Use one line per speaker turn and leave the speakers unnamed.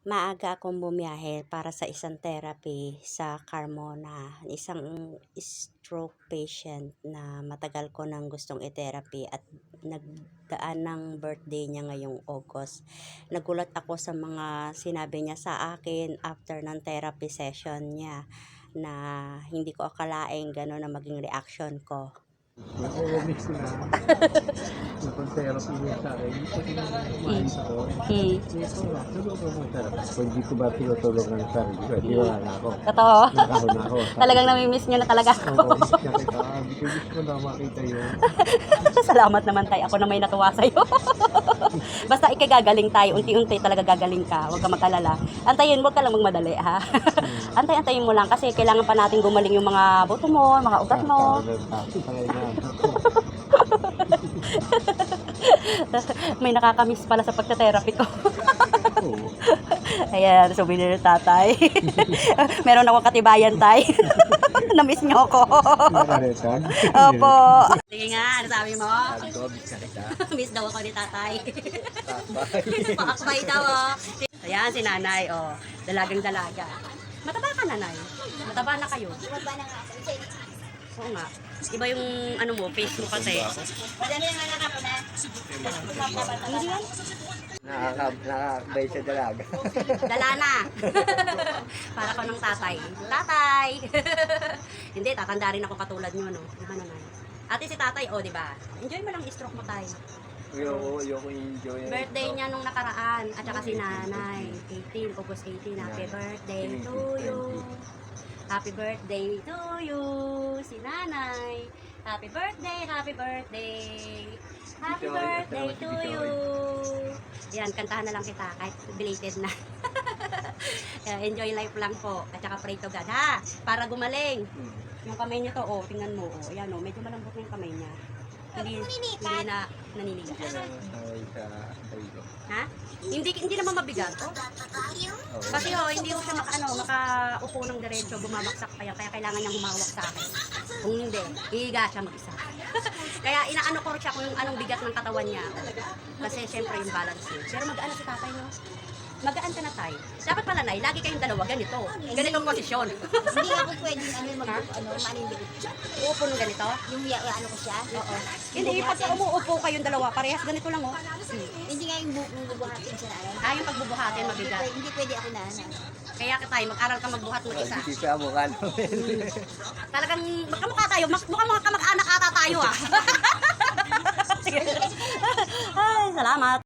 Maaga akong bumiyahe para sa isang therapy sa Carmona, isang stroke patient na matagal ko nang gustong i-therapy at nagdaan ng birthday niya ngayong August. Nagulat ako sa mga sinabi niya sa akin after ng therapy session niya na hindi ko akalaing gano'n na maging reaction ko.
Miss ko na. Napag-therapy niya sa akin. Hindi ko umalis ako. Ito na, tulog ko ng therapy. Kung hindi ko ba tinutulog ng sarili ko, di wala na ako.
Totoo?
Nakahon na ako.
Talagang namimiss niyo na talaga ako.
Oo, miss na kita. Gusto ko na makita yun.
Salamat naman tayo. Ako na may natuwa sa'yo. Basta ikagagaling tayo. Unti-unti talaga gagaling ka. Huwag ka mag-alala. Antayin, huwag ka lang magmadali, ha? Antayin mo lang kasi kailangan pa natin gumaling yung mga buto mo, mga ugat mo. May nakakamiss pala sa pagta-therapy ko. Ayan, souvenir ng tatay. Meron akong katibayan, tay. Na-miss niyo ako. Opo. Sige nga, ano sabi mo? Miss daw ako ni tatay. Pakakbay daw, oh. Ayan, si nanay, oh. Dalagang dalaga. Mataba ka, nanay. Mataba na kayo.
Mataba na nga ako.
Oo nga. Iba yung ano mo, face mo kasi.
Madami na nga ako na.
Hindi yan.
Nakakabay sa dalaga.
Dala na. Para ko ng tatay. Tatay! Hindi, tatanda rin ako katulad nyo, no? Di ba nanay? Ate si tatay, oh, di ba? Enjoy mo lang stroke mo, tay.
Ayoko enjoy.
Birthday niya nung nakaraan. At saka si nanay. 18, August 18. Happy birthday to you. Happy birthday to you, si nanay. Happy birthday, happy birthday. Happy birthday to you. Yan, kantahan na lang kita kahit belated na. Enjoy life lang po. At saka pray to God, ha? Para gumaling. Yung kamay niya to, oh, tingnan mo. Oh, ayan, oh, medyo malambot na yung kamay niya. Hindi na naninigas. Ha? Hindi naman mabigat. Oh. Kasi hindi ko siya makaupo ng diretso, bumamaksak kaya kailangan niyang humawak sa akin. Kung hindi, hihiga siya mag-isa. Kaya inaano ko siya kung anong bigat ng katawan niya. Kasi syempre yung balance niya. Pero mag-ano si tatay, no? Magaan ka na, tay. Dapat pala, nay, lagi kayong dalawa ganito. Ganitong posisyon.
Hindi ako pwedeng manindigot siya.
Uupo ng ganito?
Yung ano ko siya.
Oo. Hindi, pag umuupo kayong dalawa, parehas ganito lang, oh.
Hindi nga yung bubuhatin siya na.
Yung pagbubuhatin, mabigat.
Hindi pwede ako na.
Kaya ka tayo, mag-aral ka magbuhat mag-isa.
Hindi ka mukha
Talagang magkamukha tayo, mukhang mga kamag-anak ata tayo, ah. Ay, salamat.